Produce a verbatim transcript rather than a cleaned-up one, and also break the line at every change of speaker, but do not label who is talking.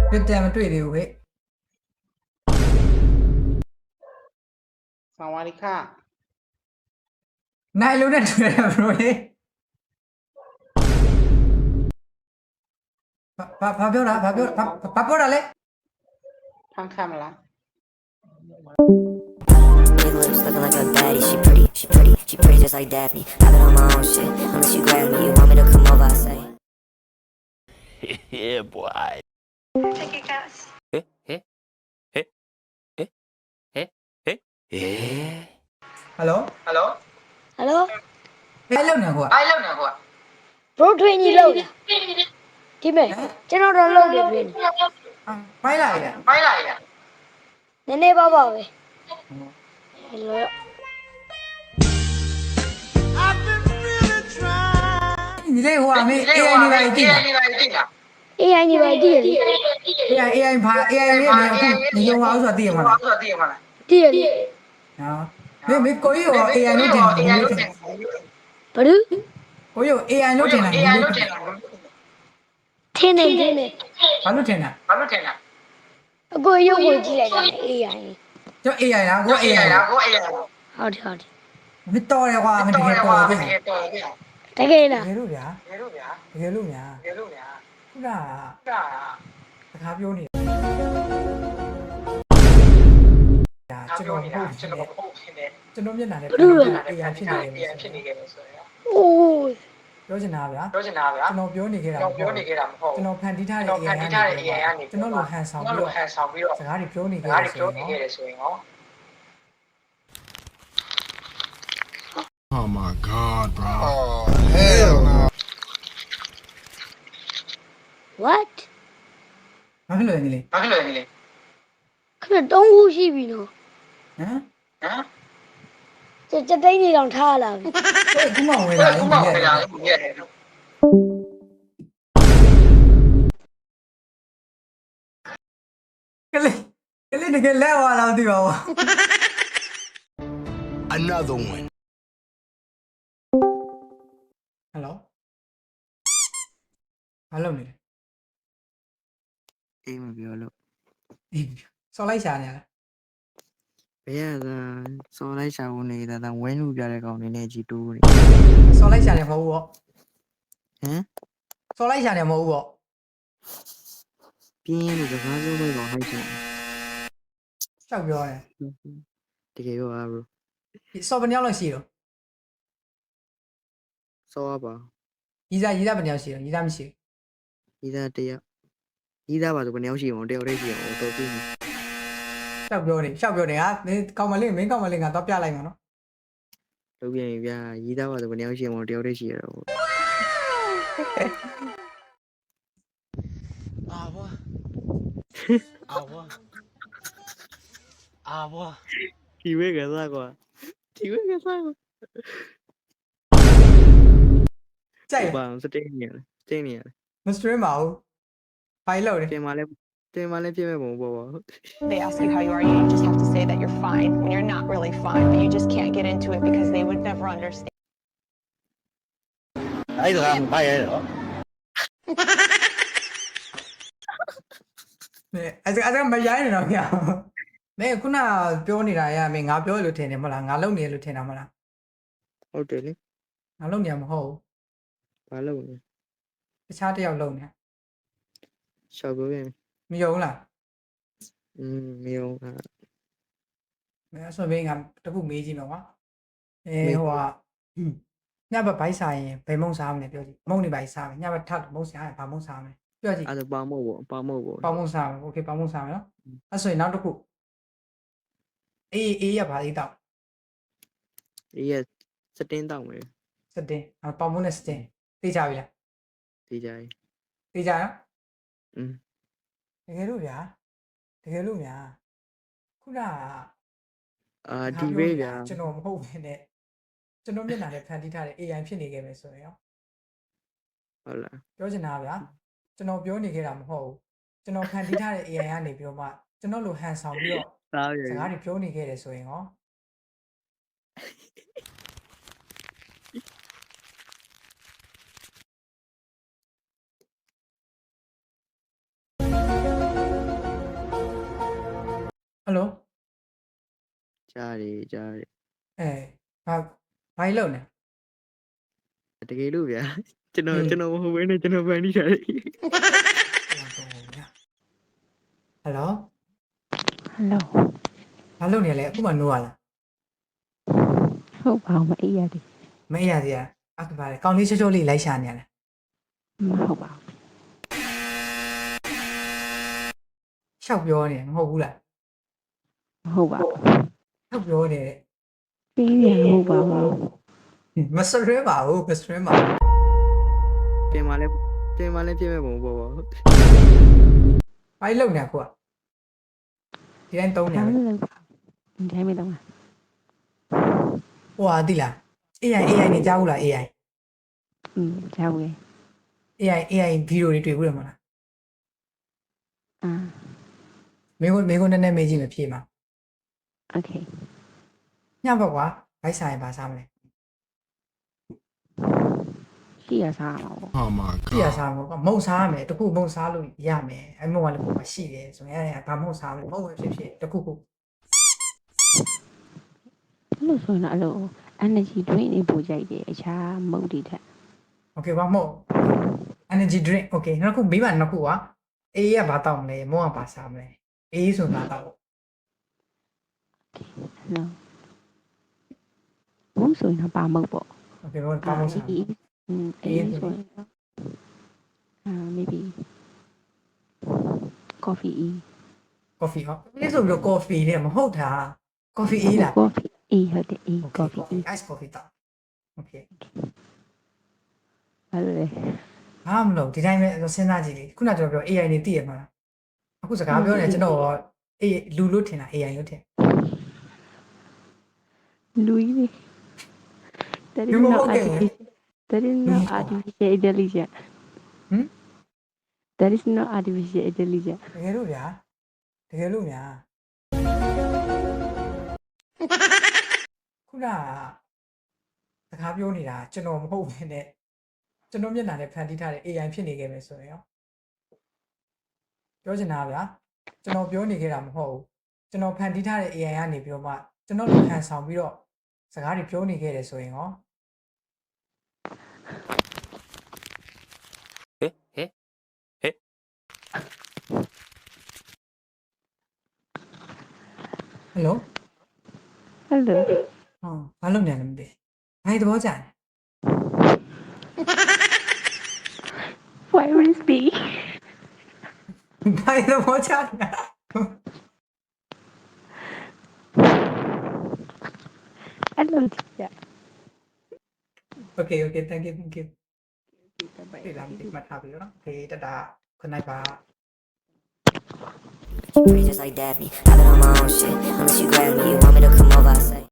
ပြတ်တယ်မတွေ့သေးဘူးဟဲ့
สวัสดีค่ะ
နိုင်လုံးနဲ့တွေ့တယ်ဘရိုလေဘာဘာပြောတာဘာပြောဘာဘာပြောတာလဲ
ทางคำละ
Big lips looking like a baddie. She pretty, she pretty, she pretty just like Daphne. I've been on my own shit. Unless you grab me, you want me to come over, I say.
Yeah, boy.
Take your gas.
Eh, eh, eh, eh, eh, eh, eh.
Hello
Hello
ဟယ်လို
ဟဲ့လုံးနေကွာ
ไอ้เรื่องเนี่ยกู
ဘရိုထွေးကြီးလောက်လားဒီမဲ့ကျွန်တော်တော့လောက်တယ်ထွေးနေ
မိုင်းလာရ
ไม่ไรอ่ะ
နည်းနည်းပါပါပဲဟယ်လို
ညီလေးဟိုအမေ
เอ้
အေ
ย
အိုင်
นี่
နေ
ไป
ပါ
จริ
ကြ
ง
ည့်
อ่ะ
လား
นี่ไปจริงอ่ะ
အေးအိုင်နေပါတည်ရလေ
အေအိုင်အေအိုင်ဘာအေအိုင်လေးနေအခုညုံအောင်ဆိုတာသိရမှာလား
ตัวตีมาละ
တည်ရလေ
နော်မင်းမကိုကြီးရောအေအိုင်လို့တင်တယ်
เอ้ย
ကို
รู้
ကြီး
จัก
ဘလူး
ရောအေအိုင်လို့တင်တာ
เอ้ยรู้จัก
ထင်းနေထင်းနေ
ဘာလို့တင်တာ
ဘာလို့ထင်လဲ
အကိုရုပ်ကိုကြည့်လိုက်တာအေးအိုင်
ကျော်အေအိုင်လားကိုအေ
เอ้
အို
ย
င်
แล้
လား
วกูเอ้ยแล้ว
ဟုတ်တယ်ဟုတ်တယ်
မတော်ရကွာမတကယ်တော်ပြီ
တကယ်တော်ပြီ
တကယ်လား
တကယ်လို့ဗျာ
ရေလို့ဗျာ
တကယ်လို့ညာ
ရေလို့ဗျာ
ခုနက
က
စကားပြောနေဒါ
အား
ကျွန်
ပြော
တော်
နေ
မ
တာ
ဟုတ်
ကျွန်
ဘူး
တော်ဟုတ်ဖြစ်နေ
ကျွန်တော်မျက်နှာနဲ့
အေး
အေအိုင်ဖြစ်နေတယ်
အေးဖြစ်နေခဲ့တယ်ဆိုရင်
အိုး
ပြောချင်တာဗျာ
ပြောချင်တာဗျာ
ကျွန်တော်ပြောနေခဲ့တာ
ကျွန်တော်ပြောနေခဲ့တာမဟုတ်
ကျွန်တော်ဖန်တီးထား
ကျွန်
တဲ့
တော်ဖန်တီးထားတဲ့ A I ကနေ
ကျွန်တော်လိုဟန်ဆောင်
ကျွန်
ပြီး
တော်
တော့
ဟန်ဆောင်ပြီးတော့
စကားတွေပြောနေ
စ
ခဲ့
ကား
တ
တွေ
ယ်
ပြော
ဆို
နေ
ရင်
ခဲ့တယ်ဆိုရင်ရော
Oh my god, bro. Oh, hell no.
what
ဘာဖြစ်လို့လဲညီလေး
ဘာဖြစ်လို့လဲလေ
ခဏတုံးခုရှိပြီနော်
ဟမ်
ဟမ်
စက်တိတ်နေတောင်ထားလာပြီ
ဟဲ့ခုမှဝင်လာ
ခု
ပြီ
မှ
လေ
ဝင်လာပြီရဲ့
ကလေးကလေးတကယ်လဲဝါလာသိပါဘူး
Another one.
ဟယ်လိုဘာလုပ်နေလဲ
အေးမပြောလို့
အေးစော်လိုက်ရှာနေရလား
ဘယ်ရသာစော်လိုက်ချဖို့နေတာဒါဝဲလူပြတဲ့ကောင်နေနဲ့ကြီးတိုးနေ
စော်လိုက်ရှာနေမဟုတ်ဘူးပေါ့
ဟမ်
စော်လိုက်ရှာနေမဟုတ်ဘူးပေါ့
ပြင်းရလို့စကားဆုံးတော့ဟိုက်ချင်
ရှောက်ပြောတယ်
တကယ်ရောအားဘရို
စော်ဘယ်နှယောက်လောက်ရှိတော့
စောရပါ
ရီးစားရီးစားဘယ်နှယောက်ရှိတော့ရီးစားမရှိ
ဤသားတယောက်ဤသားပါဆိုဘယ်နှယောက်ရှိအောင်တယောက်တည်းရှိအောင်တော့ပြင်း
ဘူးရှောက်ပြောတယ်ရှောက်ပြောတယ်ဟာမင်းကောင်မလေးမင်းကောင်မလေးငါတော့ပြလိုက်မှာနော်
လုပ်ပြန်ပြီဗျာဤသားပါဆိုဘယ်နှယောက်ရှိအောင်တယောက်တည်းရှိရတော့
အာဘွာအာဘွာအာဘွာ
ဒီဝဲကစားကွာဒီဝဲကစားကွာ
ကြိုက်
ဘာစတိတ်နေရစတိတ်နေရ
မစထရင်းပါဘူးဖိုင်လို့တယ်
တင်မလဲတင်မလဲပြည့်မဲ့ပုံပေါ့ပါ
They ask you how you are, you just have to say that you're fine when you're not really fine, but you just can't get into it because they would never understand.
အဲ့ဒါကဘာရဲတော့
အဲအဲ့ဒါအဲ့ဒါမရိုင်းနေတော့ဗျာမင်းခုနပြောနေတာရမင်းငါပြောရလို့ထင်တယ်မဟုတ်လားငါလုံနေလို့ထင်တာမဟုတ်လား
ဟုတ်တယ်လေ
ငါလုံနေမှာမဟုတ်ဘူး
ဘာလုပ်လဲ
တခြားတစ်ယောက်လုံနေ
ရှောက်ပြောပြန်
မယုံလား
อืมမြေုံက
မင်းဆိုမင်းငါတခုမေးကြည့်တော့ကွာအဲဟိုကညဘက်ဘိုက်စားရင်ဘယ်မုံစားမလဲပြောကြည့်မုံနေဘိုက်စားမယ်ညဘက်ထပ်မုံစားရင်ဘာမုံစားမလဲပြောကြည့်
အဲ့ဒါပေါင်းမို့ပေါ့ပေါင်းမို့ပေါ့
ပေါမုံစားမယ်โอเคပေါမုံစားမယ်နော်အဲ့ဆိုရင်နောက်တစ်ခုအေးအေးရပါသေးတော့
ဒီရစတင်းတောက်မယ်
စတင်အပေါမုံနဲ့စတင်သိကြပြီလား
ဒီကြိုင်
သိကြနော်
อืม
တကယ်လို့ဗျာတကယ်လို့များခုနက
အာဒီဘေးဗျာ
ကျွန်တော်မဟုတ်ဘဲနဲ့ကျွန်တော်မျက်နှာနဲ့ဖန်တီးထားတဲ့ အေအိုင် ဖြစ်နေခဲ့မယ်ဆိုရင်ရော
ဟုတ်လား
ပြောချင်တာဗျာကျွန်တော်ပြောနေခဲ့တာမဟုတ်ဘူးကျွန်တော်ဖန်တီးထားတဲ့ အေအိုင် ကနေပြီးတော့မှကျွန်တော်လိုဟန်ဆောင်ပြီးတော့
သားရ
စကားတွေပြောနေခဲ့တယ်ဆိုရင်ရောဟယ်လို
ကြားတယ်ကြားတယ်
အဲဘာဘာကြီးလုပ်နေ
တကယ်လို့ဗျာကျွန်တော်ကျွန်တော်မဟုတ်ဘဲနဲ့ကျွန်တော်ဖန်တီးထားတယ်
ဟယ်လို
Hello.
ဘာလုပ်နေလဲအခုမှနိုးရလား
ဟုတ်ပါမအေးရတယ်
မအေးရသေးရအခုပါလေကောင်းလေးချောချောလေးလိုက်ရှာနေရလဲ
မဟုတ်ပါ
ရှောက်ပြောနေမဟုတ်ဘူးလား
မဟုတ်ပါ
ရှောက်ပြောနေ
ပြီးရမဟုတ်ပါဘူး
မစရဲပါဘူးမစရဲပါဘူး
ပြင်มาလဲပြင်มาလဲပြင်မဲ့ပုံပေါ့ပေါ့
ဘာကြီးလုပ်နေအခုကဒီတိုင်းတုံးနေ
ဘာ
ရ
လို့လဲဒီတိုင်းမတော့
ဟိုဟာတိလား A I A I နေကြားဘူးလား A I
อืมကြောက်ရ
A I A I ဗီဒီယိုတွေတွေ့ဘူးတယ်မလား
အာ
မင်းကမင်းကနည်းနည်းမေးကြည့်မဖြေမှာ
โอเค
ညဘက်ကွာဘိုက်ဆိုင်ဘာစားမလဲ
ရှိရစားမှာပေါ့
Oh my
ပြရ
god.
စားမှာကွာမုံစားရမယ်တခုမုံစားလို့ရမယ်အဲမုံကလည်းကိုယ်မရှိတယ်ဆိုရင်အဲဘာမုံစားမလဲမုံပဲဖြစ်ဖြစ်တခုခု
အဲ့လိုဆိုရင်တော့အဲ့လို energy drink တွေပို့ကြိုက်တယ်အခြားမုတ်တွေထက်
โอเคဘာမုံ energy drink โอเคနောက်ခုမေးပါနောက်ခုကွာအေးကဘာတောက်မလဲမုံကဘာစားမလဲအေးဆိုတာတောက်
နော်ဘုံဆိုရင်တော့ပါမုတ်ပေါ့
โอเคဘာဘာမုံစား
အေးอืมအေးဆိုရင်တော့အာ maybe coffee e
coffee ဟောအေးဆိုပြီးတော့ coffee နဲ့မဟုတ်တာ coffee အေးလား
coffee e ဟုတ်တယ် e coffee e
ice coffee တောက်โอเค
ဘာလို့လဲ
ဘာမလို့ဒီတိုင်းပဲစဉ်းစားကြည့်လေခုနကကျွန်တော်ပြော A I နေသိရမှာလားအခုစကားပြောနေကျွန်တော်အေးလူလို့ထင်တာ A I လို့ထင်
လူကြီးလေ That is
You
not
okay?
artificial. That is not artificial intelligence.
ဟမ်
That is not artificial intelligence.
တကယ်လို့ဗျာတကယ်လို့ဗျာခုနကစကားပြောနေတာကျွန်တော်မဟုတ်ဘဲနဲ့ကျွန်တော်မျက်နှာနဲ့ဖန်တီးထားတဲ့ A I ဖြစ်နေခဲ့မယ်ဆိုရင်ရောပြောချင်တာဗျာကျွန်တော်ပြောနေခဲ့တာမဟုတ်ဘူးကျွန်တော်ဖန်တီးထားတဲ့ A I ကနေပြီးတော့မှကျွန်တော်လည်းခံဆောင်ပြီးတော့စကားတွေပြောနေခဲ့တယ်ဆိုရင်ရော
えええ
ဟယ်လို
Hello.
ဟောဘာလုပ်နေလဲမသိဘာသဘောကျလဲ
Why would it be?
ဘာသဘောကျလဲ
Hello, teacher.
Okay okay thank you thank you ဒီလမ်းဒီမှာထားပြီးတော့ Okay တတာခုနိုင်ပါ
She pretty just like Daphne. I've been on my own shit. Unless you grab me, you want me to come over, I say.